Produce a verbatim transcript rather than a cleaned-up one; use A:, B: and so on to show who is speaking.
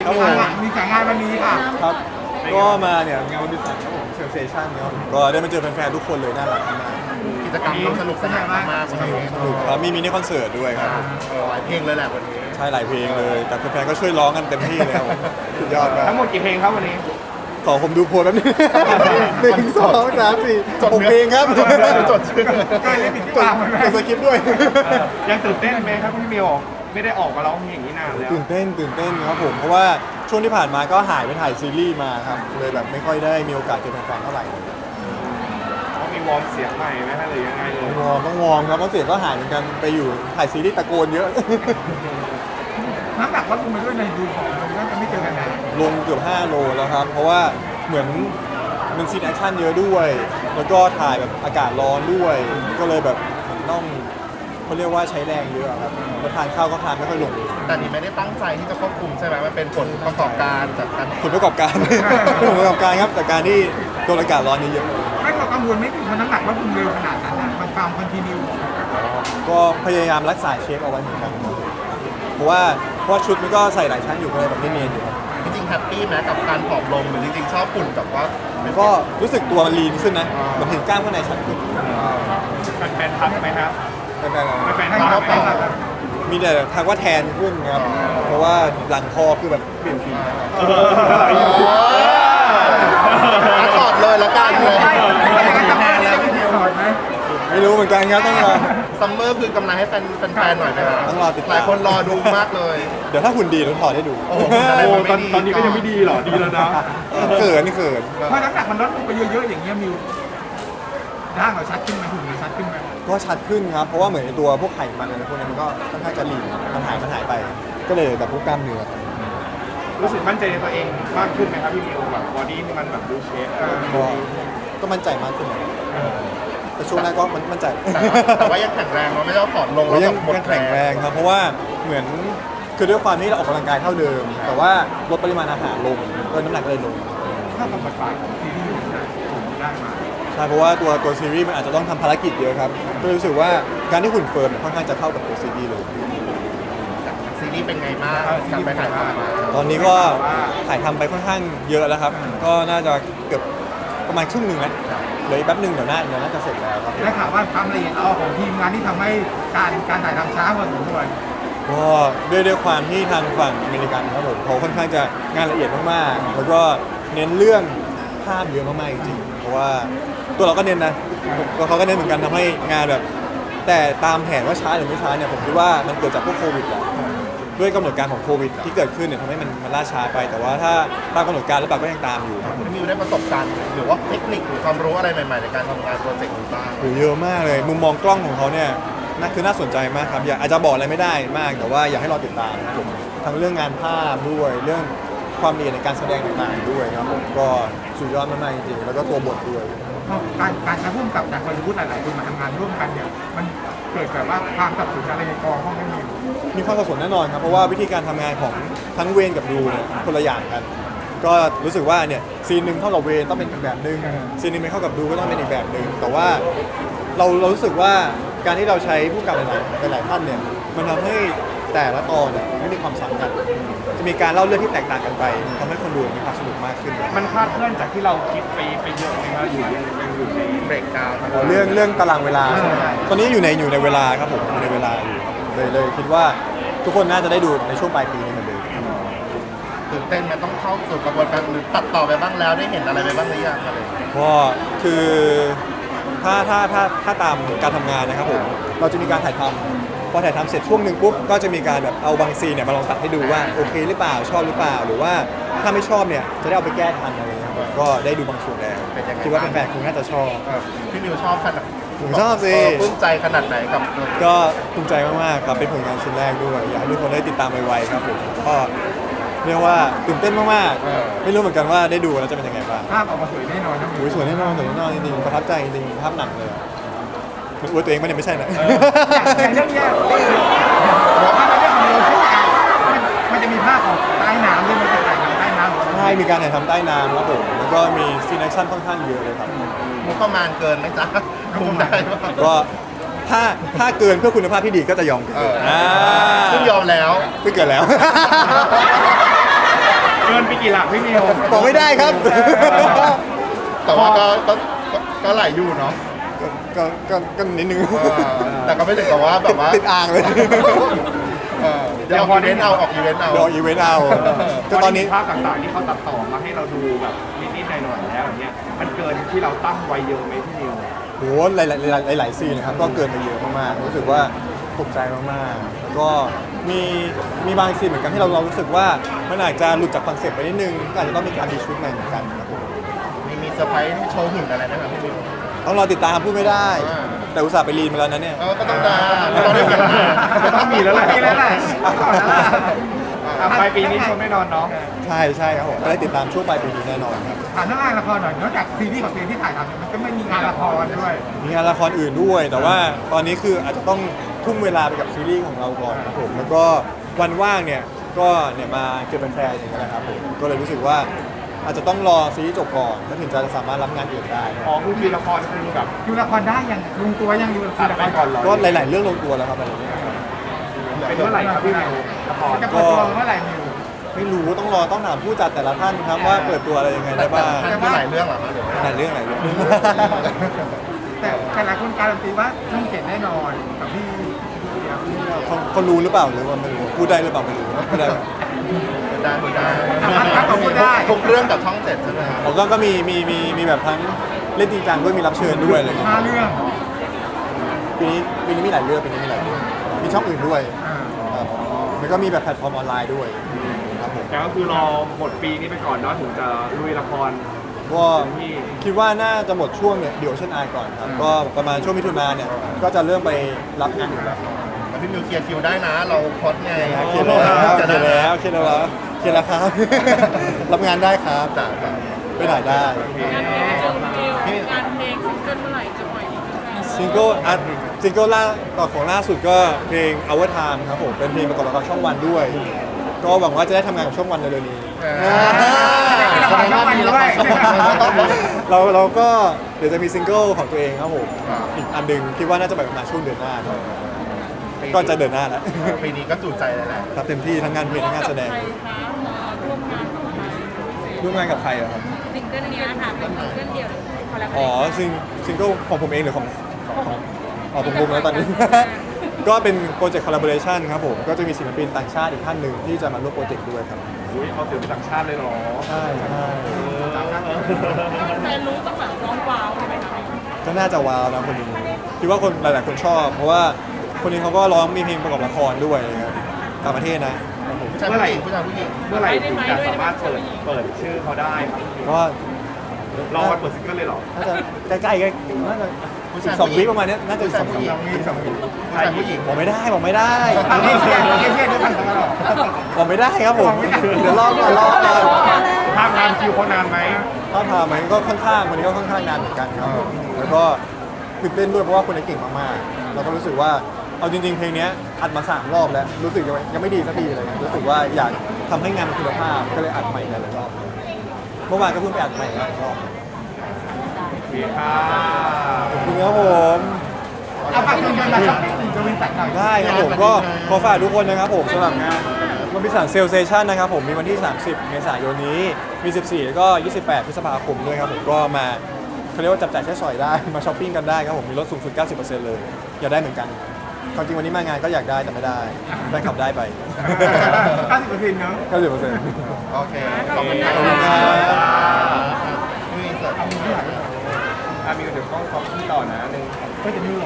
A: ครับผม
B: มีสายงานวันนี้ค่ะ
A: ครับก็มาเนี่ยงานวันดิสันครับผมเซลเซชั่นครับผมก็ได้มาเจอแฟนๆทุกคนเลยน่ารักมาก
C: กิจกรรมต้องสนุกสนานมากๆวันนี้
A: สนุกครับมีมินิคอนเสิร์ตด้วยครับผม
C: เออหลายเพลงเลยแหละวันนี้
A: ใช่หลายเพลงเลย แต่แฟนๆก็ช่วยร้องกันเต็มที่เลยครับผมสุดยอดมาก
B: ทั้งหมดกี่เพลงครับวันนี้
A: ขอผมดูโพลแป๊บนึงหนึ่งสองสามสี่หกเพลงครับ
C: จดเนื้อจดชื่อ
B: ก็เลยผิดที่
A: จด
B: วางไว้ไหม
A: จดสคริปต์ด้วย
B: ยังตื่นเต้นไหมครับพี่มิวไม่ได้ออกมาร้องเพลงอย่างนี้นานแล้ว
A: ตื่นเต้นตื่นเต้นครับผมเพราะว่าช่วงที่ผ่านมาก็หายไปถ่ายซีรีส์มาครับเลยแบบไม่ค่อยได้มีโอกาสเจอแฟนๆเท่าไหร่
B: ต้องมีวอร์มเสียงใหม่ไหมฮะหรือยังไงเลยว
A: อร์มต้องวอร์มครับเพราะเสียงก็หายเหมือนกันไปอยู่ถ่ายซีรีส์ตะโกนเยอะ
B: น้ำหนักลดลงไปด้วยในดูของมันก็จะไม่เจอกันนาน
A: ลงเกือบห้าโลแล้วครับ เพราะว่าเหมือนมันซีนแอคชั่นเยอะด้วย แล้วก็ถ่ายแบบอากาศร้อนด้วย ก็เลยแบบต้องเขาเรียกว่าใช้แรงเยอะครับแล้วทานข้าวก็ทานไม่ค่อยลง
C: แต่นี่ไม่ได้ตั้งใจที่จะควบคุมใช่ไหมมันเป็นผลประกอบการจากการ
A: ผลประกอบการ ผลประกอบการครับจากการที่โดนอากาศร้อนเยอะ
B: ไม่ก็กังวลไม่ถึงเพราะน้ำหนักลดลงเร็วขนาดนั้นนะมันความคอนติเนีย
A: ๆก็พยายามรักษาเชฟเอาไว้เหมือนกันครับเพราะว่าเพราะว่าชุดมันก็ใส่หลายชั้นอยู่ก็เลยแบบไม่เนียนอยู่ครับ
C: จริงๆแฮปปี้ไหมกับการผอมลงหรือจริงๆชอบหุ่นกับว่า
A: ก็รู้สึกตัวมันลีนขึ้นนะมันเห็นกล้ามข้างในชัดขึ้น
B: แฟนๆทักไหมครับ
A: ไม่เป็นไร
B: แฟนๆทักไหมครับ
A: มีแต่ทักว่าแทนขึ้นครับ เพราะว่าหลังคอคือแบบเปลี่ยนสี
C: ถอดเลยละกันเลย
B: ใช่ไม่อย่างนั้นจะมาแล้วพี่มิวถอดไหม
A: ไม่รู้เหมือนกันครับต้องรอ
C: ซัมเมอร์คือกำลังให้แฟนแฟนๆหน่อยนะครับ
A: ต้องรอติดตาม
C: หลายคนรอดูมากเลย
A: เดี๋ยวถ้าหุ่นดีเราถอดให้ดู
C: โอ้โหอะไรมันไม่ดี
B: ตอนนี้ก็ยังไม่ดีหรอดีแล้วนะ
A: เขินนี่เขิน
B: เพราะน้ำหนักมันลดลงไปเยอะๆอย่างเงี้ยมิวร่างเราชัดขึ้นไหมหุ่นเราชัดขึ้นไหม
A: ก็ชัดขึ้นครับ เพราะว่าเหมือนในตัวพวกไขมันอะไรพวกนี้มันก็ค่อนข้างจะลีนมันหายมันหายไป ก็เลยแบบพวกกล้ามเนื้อ
B: รู้สึกมั่นใจในตัวเองมากขึ้นไหมครับพี่มิวแบบบอดี้ที่มันแบบดูเชฟ
A: ก็ก็มั่นใจมากขึ้นนะแต่ช่วงแรกก็มันมั่นใจ
C: แต่ว่ายังแข็งแรงเราไม่ได้ว่าผอมลง
A: โอ้
C: แล้ว
A: ยัง
C: แบบหมด
A: ยังแข็งแรงครับ เพราะว่าเหมือนคือด้วยความที่เราออกกำลังกายเท่าเดิม แต่ว่าลดปริมาณอาหารลงก็น้ำหนักเลยลง
B: ถ้าทำบัตรปลายของซีรีส์ได้ได้มา
A: ใช่เพราะว่าตัวตัวซีรีส์มันอาจจะต้องทำภารกิจเยอะครับก็เลยรู้สึกว่าการที่หุ่นเฟิร์มเนี่ยค่อนข้างจะเข้ากับตัวซีรีส์เลย
C: ซีรีส์เป็นไงบ้างกลับไปถ่ายทำมา
A: ตอนนี้ก็ถ่ายทำไปค่อนข้างเยอะแล้วครับ ก็น่าจะเกือบประมาณครึ่งหนึ่งนะเหลืออีกแป๊บหนึ่งเดี๋ยวน่าเดี๋ยวน่าจะเสร็จแล้วครับ
B: ได้ข่าวว่าความละเอียดอ่อนของทีมงานที่ทำให้การการถ่ายทำช้าพอสมควร
A: ก็ด้วยด้วยความที่ทางฝั่งอเมริกันครับผมเขาค่อนข้างจะงานละเอียดมากๆแล้วก็เน้นเรื่องภาพเยอะมากๆจริงๆเพราะว่าตัวเราก็เน้นนะตัวเขาก็เน้นเหมือนกันทำให้งานแบบ แต่ตามแผนว่าช้าหรือไม่ช้าเนี่ยผมคิดว่ามันเกิดจากพวกโควิดแหละด้วยกำหนดการของโควิดที่เกิดขึ้นเนี่ยทำให้มันมันล่าช้าไป แต่ว่าถ้าตามกำหนดการแล้วปากก็ยังตามอยู่ครับ
C: พี่มิวได้ประสบการณ์หรือว่าเทคนิคหรือความรู้อะไรใหม่ๆในการทำงานโปรเจกต์นี้บ้าง
A: โหเยอะมากเลย มุมมองกล้องของเขาเนี่ยน่าคือน่าสนใจมากครับอยากอาจจะบอกอะไรไม่ได้มาก แต่ว่าอยากให้เราติดตามครับผมทั้งเรื่องงานภาพด้วยเรื่องความละเอียดในการแสดงต่างๆด้วยครับผมก็สุดยอดมากๆจริงๆแล้วก็ตัวบทด้วย
B: การการใช้ร่วมกับจากฮอลลีวูดหลายๆคนมาทำงานร่วมกันเนี่ยมันเกิดแบบว่าความสับสนอะไรในกองห้องไม่มี
A: มีความสับสนแน่นอนครับเพราะว่าวิธีการทำงานของทั้งเวนกับดูเนี่ยคนละอย่างกัน ก็รู้สึกว่าเนี่ยซีนหนึ่งเข้ากับเวนต้องเป็นอีกแบบหนึ่งซีนหนึ่งไม่เข้ากับดูก็ต้องเป็นอีกแบบหนึ่งแต่ว่าเราเรารู้สึกว่าการที่เราใช้ผู้กำกับหลายๆหลายๆท่านเนี่ยมันทำให้แต่ละตอนเนี่ยไม่มีความซ้ำกัน จะมีการเล่าเรื่องที่แตกต่างกันไปทำให้คนดูมีความสนุกมากขึ้น
B: มันคลาดเคลื่อนจากที่เราคิดไปไปเยอะไหมครับอยู่ยังยังอยู่ใน
C: เบรกดาวน์
A: อ๋อเรื่องเรื่องตารางเวลาใช่ไหมตอนนี้อยู่ในอยู่ในเวลาครับผมอยู่ในเวลาอยู่ครับเลยเลยคิดว่าทุกคนน่าจะได้ดูในช่วงปลายปีนี้เหมือนเดิม
C: ตื่นเต้นมันต้องเข้าสู่กระบวนการหรือตัดต่อไปบ้างแล้วได้เห็นอะไรไปบ้างหรือยังอะไรอย่างเงี้ย
A: ก็คือถ้าถ้าถ้าถ้าตามการทำงานนะครับผมเราจะมีการถ่ายทำพอถ่ายทำเสร็จช่วงหนึ่งปุ๊บก็จะมีการแบบเอาบางซีนเนี่ยมาลองตัดให้ดูว่าโอเคหรือเปล่าชอบหรือเปล่า หรือว่าถ้าไม่ชอบเนี่ยจะได้เอาไปแก้ทันอะไรเงี้ยครับก็ได้ดูบางส่วนแล้วคิดว่าแฟนๆคงน่าจะชอบ
C: เออพี่มิวชอบขนาด
A: ผมชอบสิ
C: เปลื้มใจขนาดไหนกับ
A: ก็ภูมิใจมากๆครับเป็นผลงานชิ้นแรกด้วย อยากให้ทุกคนได้ติดตามไวๆครับผมก็เรียกว่าตื่นเต้นมากๆไม่รู้เหมือนกันว่าได้ดูแล้วจะเป็นยังไงบ้าง
B: ภาพออกมาสวยแน่นอนนะ
A: โอ้ยสวยแน่นอนสวยแน่นอนจริงๆประทับใจจริงๆภาพหนังเลยอะมันอวยตัวเองไหมเนี่ยไม่ใช่นะ
B: แต่เรื่องเนี้ยบอกว่าในเรื่องของเราช่วงมันมันจะมีภาพของใต้น้ำด้วยมันจะถ่ายทำใต้น้ำ
A: ใช่มีการถ่ายทำใต้น้ำครับผมแล้วก็มีซีนแอคชั่นค่อนข้างเยอะเลยครับ
C: มุกประมาณเกินไหมจ๊ะคุมได้ปะ
A: ก็ถ้าถ้าเกินเพื่อคุณภาพที่ดีก็จะยอมเกิน
C: เออ
A: อ่า
C: ซึ่งยอมแล้ว
A: ไม่เกินแล้ว
B: กี่หลักพี่นิว
A: บอกไม่ได้ครับ
C: แต่ว่าก็ก็ก็ก็หลายอยู่เนาะ
A: ก็ก็ก็นิดนึง
C: เออแต่ก็ไม่ถึงกับว่าแบบว่า
A: ติดอ่างเลย
C: เออเดี๋ยวออกอีเวนต์เอาออกอีเวนต์เอา
A: เดี๋ยวอีเวนต์เอาก็ตอนนี้
B: ภาพต่างๆที่เขาตัดต่อมาให้เราดูแบบนิดๆหน่อยๆแล้วอย่างเงี้ยมันเกินที่เราตั้งไว้เยอะไหมพี่นิว
A: โหหลายหลายหลายหลายซีนนะครับก็เกินไปเยอะมากๆรู้สึกว่าตกใจมากๆแล้วก็มีมีบางซีนเหมือนกันที่เราเรารู้สึกว่ามันอาจจะหลุดจากคอนเซ็ปต์ไปนิดนึงก็อาจจะต้องมีการดีชุดใหม่เหมือนกันครับผม
C: มีมีเซอร์ไพรส์โชว์หุ่นอะไรไหมครับพี่นิว
A: ต้องรอติดตามพูดไม่ได้
C: อ่า
A: แต่อุตส่าห์ไปรีนมาแล้วนะเนี่ย
C: เออก็ต้องได้ก็ต้องได้เห็นหน้า
B: ก็ต้องมีแล้วแหละ
D: มีแล้วแหละ
B: อ่ะปลายปีนี้ชมแน่นอนเนาะ
A: ใช่ใช่ครับผมก็ได้ติดตามช่วงปลายปีนี้แน่นอนครับ
D: ถามเรื่องงานละครหน่อยนอกจากซีรีส์ของตัวเองที่ถ่ายทำเนี่ยมันก็ไม่มีงานละครด้วย
A: มีงานละครอื่นด้วย แต่ว่าตอนนี้คืออาจจะต้องทุ่มเวลาไปกับซีรีส์ของเราก่อนครับผมแล้วก็วันว่างเนี่ยก็เนี่ยมาเจอแฟนๆอย่างเงี้ยนะครับผมก็เลยรู้สึกว่าอาจจะต้องรอซีรีส์จบก่อนแล้วถึงจะสามารถรับงานอื่นได้ครับ
B: อ๋อคือมีละครคือแบบ
D: ดูละครได้ยังลงตัวยังดูละค
B: ตั
D: ร
B: ด
D: ละค
B: ไป
D: ร
B: ก่อนเลย
A: ก็หลาย ๆ เรื่องลงตัวแล้วครับอะไรอย่างเงี้ยครับ
B: เป็นเมื่อไหร่ครับพี่นิวละคร
D: จะเปิดตัวเมื่อไหร่นิว
A: ไม่รู้ต้องรอต้องถามผู้จัดแต่ละท่านครับว่าเปิดตัวอะไรยังไงได้บ้าง
C: ท่านมีหลายเรื่องเหรอครับเดี๋ยว
A: หลายเรื่องหลายเรื่อง
D: แต่แต่หลายคนการันตีว่าช่องเจ็ดแน่นอนกับพี่
A: เขาเขารู้หรือเปล่าหรือว่าไม่รู้พูดได้หรือเปล่าไม่รู้พูดได้ไหม
C: ได้ไม่ได้
D: ถ้าเขาพูดได้
C: ทุกเรื่องกับช่องเจ็ดใช่ไหมครับ
A: ผมก็ก็มีมีมีมีแบบทั้งเล่นจริงจังด้วยมีรับเชิญด้วยอะไรอย่างเงี้ย
D: ห้าเรื่อง
A: ปีนี้ปีนี้มีหลายเรื่องปีนี้มีหลายเรื่องมีช่องอื่นด้วย
D: อ่า
A: ครับแล้วก็มีแบบแพลตฟอร์มออนไลน์ด้วยครับผม
B: แต่ก็คือรอหมดปีนี้ไปก่อนเนาะถึงจะลุยละคร
A: ก็คิดว่าน่าจะหมดช่วงเนี่ยเดี๋ยวเช่นอายก่อนครับก็ประมาณช่วงมิถุนาเนี่ยก็จะเริ่มไปรับงานอื่นแล้ว
C: แล้วพี่มิวเคลียร์คิวได้นะ เราพอดไง
A: เคลียร์แล้วเคลียร์แล้วเคลียร์แล้วเคลียร์แล้วครับ รับงานได้ครับ
C: จ้ะจ้ะ
A: ไปถ่ายได้
E: งานเพลงงานเพลงซิงเกิลเมื่อไหร่จะปล่อยอีกไหม
A: ซิงเกิลอัดซิงเกิลล่าต่อของล่าสุดก็เพลง Our Time ครับผมเป็นเพลงประกอบละครช่องวันด้วย ก็หวังว่าจะได้ทำงานกับช่องวันเร็วๆนี้
D: ละครช่องวันด้วย
A: เราเราก็เดี๋ยวจะมีซิงเกิลของตัวเองครับผมอีกอันหนึ่งคิดว่าน่าจะแบบประมาณช่วงเดือนหน้าครับก็จะเดือนหน้าแล้ว
C: ปีนี้ก็จูใจเลยแหละ
A: ครับเต็มที่ทั้งงานเพลงทั้งงานแสดง
E: ใครคะมาร่วมงานกับใคร
A: ร่วมงานกับใครอะครับ
E: ซิงเกิลเนี้ยค่ะเป็นซิงเกิลเดียวหรือคอลแลบ
A: อ๋อซิงซิงเกิลของผมเองหรือของของอ๋อผมงงแล้วตอนนี้ ก็เป็นโปรเจกต์คอลลาบอร์เรชันครับผมก็จะมีศิลปินต่างชาติอีกท่านหนึ่งที่จะมาร่วมโปรเจกต์ด้วยครับ
B: อุ้ยเอาศิลปินต่างชาติเลยเหรอ
A: ใช่ใช่
E: แฟนรู้ต้องแบบร้องว้าวใช่ไหมคะ
A: ก็น่าจะว้าวนะคนนี้คิดว่าคนหลาย ๆ คนชอบ เพราะว่าคนนี้เขาก็ร้องมีเพลงประกอบละครด้วยนะครับต่างประเทศนะ
C: ผู้ชายผู้หญิงผู้ชายผู้หญิง
B: เมื่อไหร่ถึงจะสามารถเปิดเปิดชื่อเขาได้ครับ
A: ก็
B: รอวันเปิดซิงเกิลเลยเหรอ
A: น่าจะใกล้ๆกันน่าจะอีกสองวิประมาณเนี้ยน่าจะอีกสองสามวิสองวิ
C: ผู้ชายผู้หญิง
A: บอกไม่ได้บอกไม่ได้
D: เอาเชี่ยเชี่ยเชี่ยด้วยกันตลอด
A: บอกไม่ได้ครับผมเดี๋ยวรอก่อนรอก่อน
B: ทางงานคิวเขานานไหม
A: ถ้าพามันก็ค่อนข้างวันนี้ก็ค่อนข้างนานเหมือนกันครับผมแล้วก็ตื่นเต้นด้วยเพราะว่าคนนี้เก่งมากๆแล้วก็รู้สึกว่าเอาจริง ๆ เพลงเนี้ยอัดมาสามรอบแล้วรู้สึกยังไม่ยังไม่ดีสักทีเลยรู้สึกว่าอยากทำให้งานมันคุณภาพก็เลยอัดใหม่หลายๆรอบเมื่อวานก็เพิ่งไปอัดใหม่หลายรอบ
B: โอเคค่ะ
A: ขอบคุณครับผม
D: เอาฝากคุณมาช้อปปิ้งจะวินสันหน่อย
A: ได้ครับผมก็ขอฝากทุกคนนะครับผมสำหรับงานวันพิสารเซลเซชันนะครับผมมีวันที่ สามสิบ เมษายนนี้มี สิบสี่ แล้วก็ ยี่สิบแปด พฤษภาคมด้วยครับผมก็มาเขาเรียกว่าจับจ่ายใช้สอยได้ มาช้อปปิ้งกันได้ครับผมมีลดสูงสุด เก้าสิบเปอร์เซ็นต์ เลย อยากได้เหมือนกันความจริงวันนี้มางานก็อยากได้แต่ไม่ได้ได้ขับได้ไป
D: เก้าสิบเปอร์เซ็นต์เนอะ
A: เก้าสิบเปอร์เซ็นต์
C: โอเค ขอบคุณครั
A: ขอบคุณครับ
C: บนี่เสร็จ
B: อ่ะมีเดี๋ยวกล้องขอบคุณต่อนะหนึ่ง
D: ก็จะมี